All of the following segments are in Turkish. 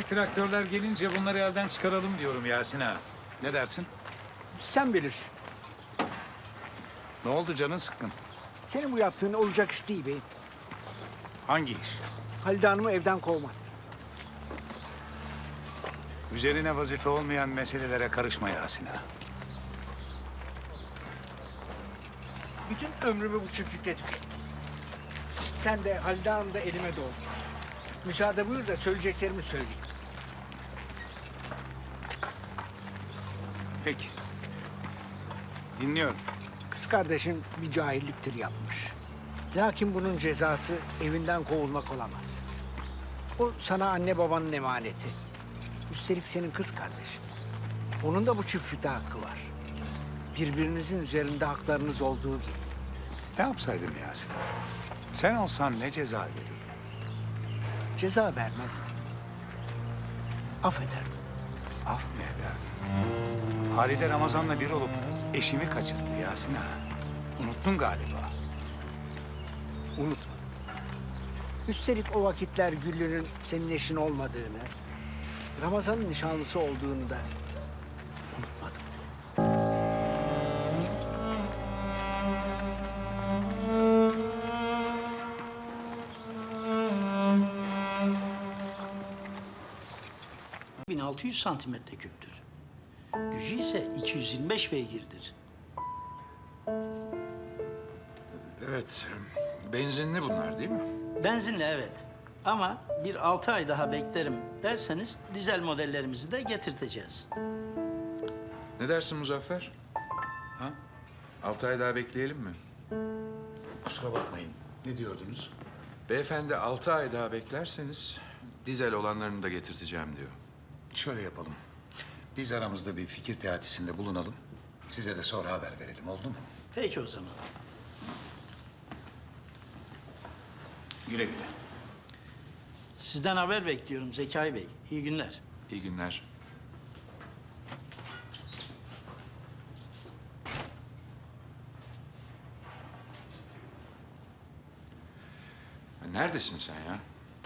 traktörler gelince bunları elden çıkaralım diyorum Yasin ağa. Ne dersin? Sen bilirsin. Ne oldu, canın sıkkın? Senin bu yaptığın olacak iş değil beyim. Hangi iş? Halide Hanım'ı evden kovmak. Üzerine vazife olmayan meselelere karışma Yasin ağa. Bütün ömrümü bu çiftlikte tükettim. Sen de Halide Hanım da elime doldurursun. Müsaade buyur da söyleyeceklerimi söyleyeyim. Peki. Dinliyorum. Kız kardeşin bir cahilliktir yapmış. Lakin bunun cezası evinden kovulmak olamaz. O sana anne babanın emaneti. Üstelik senin kız kardeşin. Onun da bu çiftlikte hakkı var. Birbirinizin üzerinde haklarınız olduğu gibi. Ne yapsaydım Yasin ağa? Sen olsan ne ceza verirdin? Ceza vermezdim. Affederdim. Af mı ederdin? Halide Ramazan'la bir olup eşimi kaçırdı Yasin ağa. Unuttun galiba. Unutma. Üstelik o vakitler Güllü'nün senin eşin olmadığını, Ramazan'ın nişanlısı olduğunu da unutmadım. ...1600 santimetre küptür. Gücü ise 225 beygirdir. Evet, benzinli bunlar değil mi? Benzinli evet. Ama bir 6 ay daha beklerim derseniz... ...dizel modellerimizi de getirteceğiz. Ne dersin Muzaffer? Ha? 6 ay daha bekleyelim mi? Kusura bakmayın. Ne diyordunuz? Beyefendi 6 ay daha beklerseniz dizel olanlarını da getirteceğim diyor. Şöyle yapalım. Biz aramızda bir fikir teatisinde bulunalım. Size de sonra haber verelim. Oldu mu? Peki o zaman. Güle güle. Sizden haber bekliyorum Zekai Bey. İyi günler. İyi günler. Neredesin sen ya?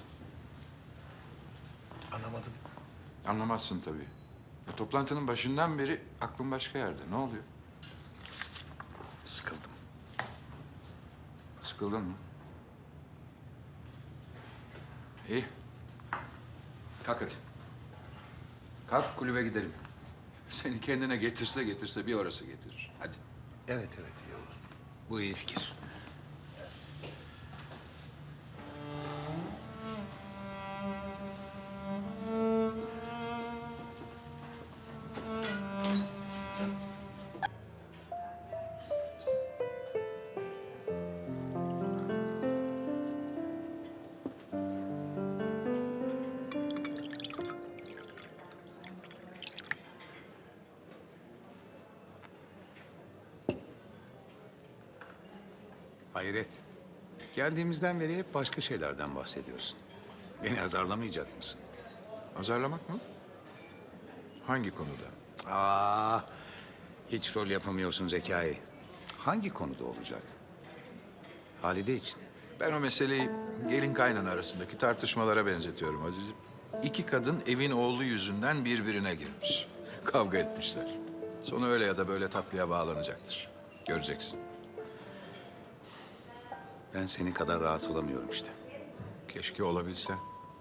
Anlamadım. Anlamazsın tabii. Toplantının başından beri aklın başka yerde. Ne oluyor? Sıkıldım. Sıkıldın mı? İyi. Kalk hadi. Kalk kulübe gidelim. Seni kendine getirse bir orası getirir. Hadi. Evet iyi olur. Bu iyi fikir. Hayret. Geldiğimizden beri hep başka şeylerden bahsediyorsun. Beni azarlamayacak mısın? Azarlamak mı? Hangi konuda? Hiç rol yapamıyorsun Zekai. Hangi konuda olacak? Halide için. Ben o meseleyi gelin kaynana arasındaki tartışmalara benzetiyorum Aziz'im. İki kadın evin oğlu yüzünden birbirine girmiş. Kavga etmişler. Sonu öyle ya da böyle tatlıya bağlanacaktır. Göreceksin. Ben senin kadar rahat olamıyorum işte. Keşke olabilse.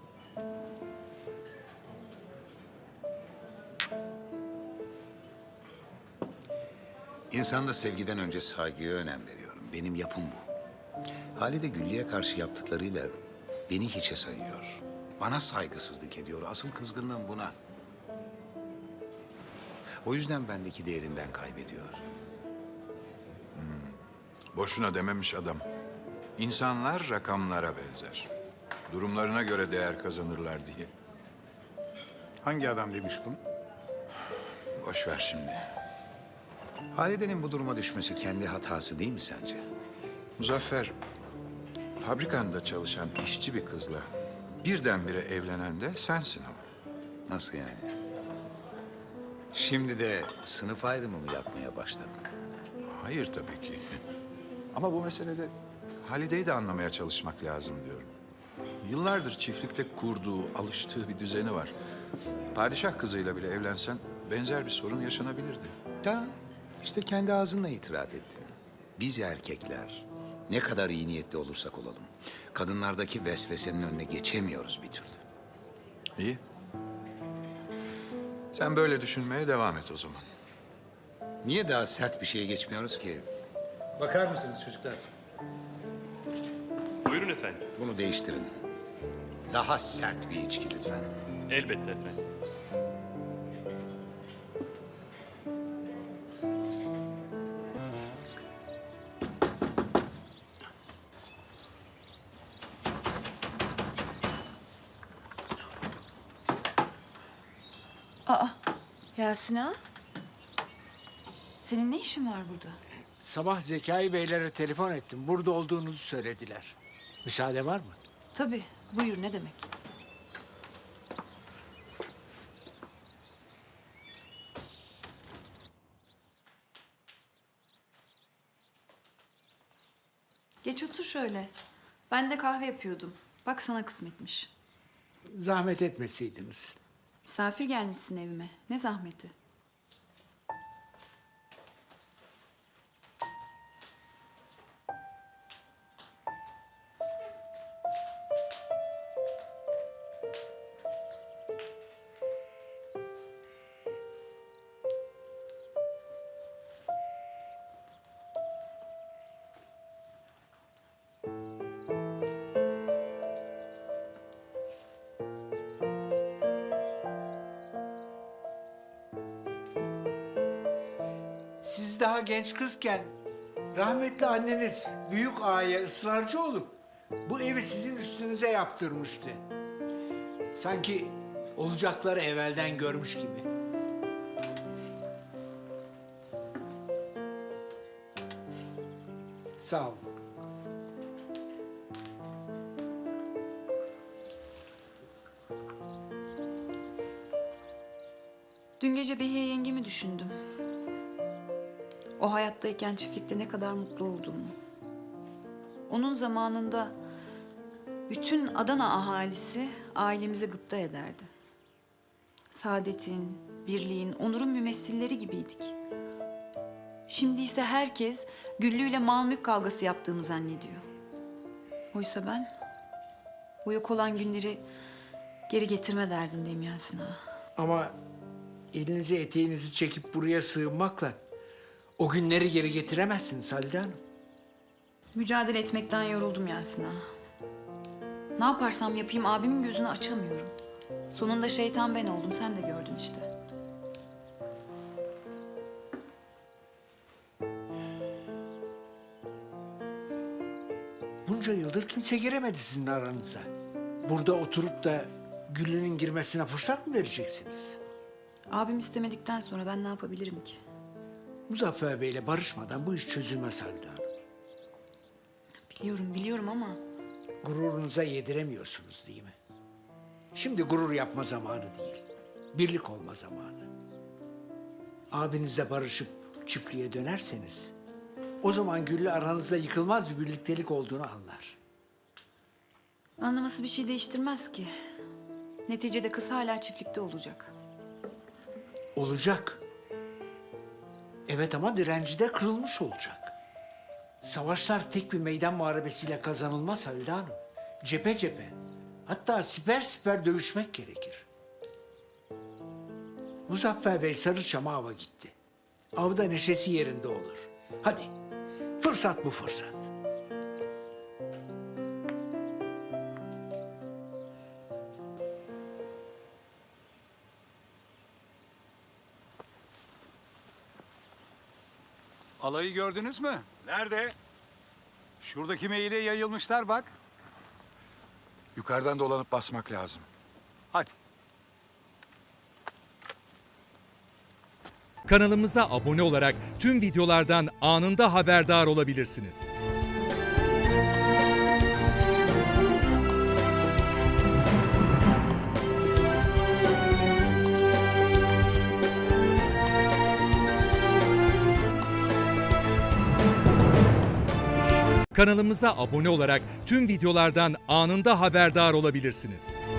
İnsanda sevgiden önce saygıya önem veriyorum. Benim yapım bu. Halide Güllü'ye karşı yaptıklarıyla beni hiçe sayıyor. Bana saygısızlık ediyor. Asıl kızgınlığım buna. O yüzden bendeki değerinden kaybediyor. Boşuna dememiş adam. İnsanlar rakamlara benzer. Durumlarına göre değer kazanırlar diye. Hangi adam demiş bunu? Boş ver şimdi. Halide'nin bu duruma düşmesi kendi hatası değil mi sence? Muzaffer, fabrikanda çalışan işçi bir kızla birdenbire evlenen de sensin ama. Nasıl yani? Şimdi de sınıf ayrımı mı yapmaya başladın? Hayır tabii ki. Ama bu meselede Halide'yi de anlamaya çalışmak lazım diyorum. Yıllardır çiftlikte kurduğu, alıştığı bir düzeni var. Padişah kızıyla bile evlensen benzer bir sorun yaşanabilirdi. Da işte kendi ağzınla itiraf ettin. Biz erkekler ne kadar iyi niyetli olursak olalım, kadınlardaki vesvesenin önüne geçemiyoruz bir türlü. İyi. Sen böyle düşünmeye devam et o zaman. Niye daha sert bir şeye geçmiyoruz ki? Bakar mısınız çocuklar? Buyurun efendim. Bunu değiştirin. Daha sert bir içki lütfen. Elbette efendim. Yasin ağa, senin ne işin var burada? Sabah Zekai Beylere telefon ettim. Burada olduğunuzu söylediler. Müsaade var mı? Tabii, buyur ne demek? Geç otur şöyle. Ben de kahve yapıyordum. Bak sana kısmetmiş. Zahmet etmeseydiniz. Misafir gelmişsin evime. Ne zahmeti? Siz daha genç kızken rahmetli anneniz büyük ağaya ısrarcı olup bu evi sizin üstünüze yaptırmıştı. Sanki olacakları evvelden görmüş gibi. Sağ olun. Dün gece Behiye yengemi düşündüm. O hayattayken çiftlikte ne kadar mutlu olduğumu. Onun zamanında bütün Adana ahalisi ailemize gıpta ederdi. Saadetin, birliğin, onurun mümessilleri gibiydik. Şimdi ise herkes Güllü ile mal mülk kavgası yaptığımı zannediyor. Oysa ben bu yok olan günleri geri getirme derdindeyim Yasin ağa. Ama elinizi eteğinizi çekip buraya sığınmakla o günleri geri getiremezsiniz Halide Hanım. Mücadele etmekten yoruldum Yasin ağa. Ne yaparsam yapayım abimin gözünü açamıyorum. Sonunda şeytan ben oldum, sen de gördün işte. Bunca yıldır kimse giremedi sizin aranıza. Burada oturup da Güllü'nün girmesine fırsat mı vereceksiniz? Abim istemedikten sonra ben ne yapabilirim ki? Muzaffer Bey'le barışmadan bu iş çözülmez Halide Hanım. Biliyorum ama Gururunuza yediremiyorsunuz değil mi? Şimdi gurur yapma zamanı değil. Birlik olma zamanı. Abinizle barışıp çiftliğe dönerseniz o zaman Güllü aranızda yıkılmaz bir birliktelik olduğunu anlar. anlaması bir şey değiştirmez ki. Neticede kız hala çiftlikte olacak. Olacak. Evet ama direnci de kırılmış olacak. Savaşlar tek bir meydan muharebesiyle kazanılmaz Halide Hanım. Cephe cephe, hatta siper siper dövüşmek gerekir. Muzaffer Bey Sarıçam'a ava gitti. Avda neşesi yerinde olur. Hadi, fırsat bu fırsat. Alayı gördünüz mü? Nerede? Şuradaki meyile yayılmışlar bak. Yukarıdan dolanıp basmak lazım. Hadi. Kanalımıza abone olarak tüm videolardan anında haberdar olabilirsiniz. Kanalımıza abone olarak tüm videolardan anında haberdar olabilirsiniz.